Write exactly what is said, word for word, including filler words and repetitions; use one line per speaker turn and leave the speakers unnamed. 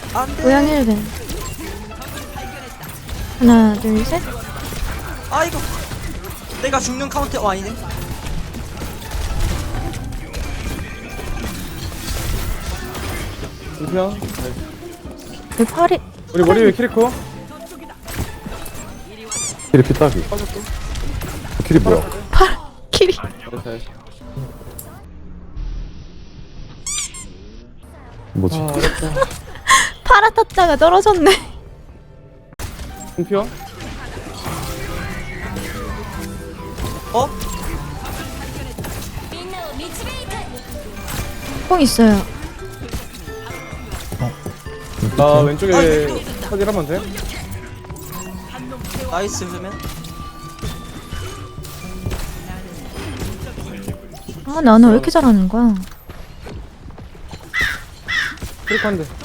안돼.
모양 일 벤. 하나, 둘, 셋.
아이고. 내가 죽는 카운터. 어 아니네.
공평.
내 팔이.
우리 머리 위에 키리코.
키리 피따기.
빠졌고.
키리 뭐야?
팔. 키리.
잘했어.
뭐지?
아, 어렵다.
파라 타짜가 떨어졌네.
공평.
어?
뽕 있어요.
나 왼쪽에
아,
확인 한번 돼?
나이스 그러면.
아, 나는 왜 이렇게 잘하는 거야?
키리코 한 대.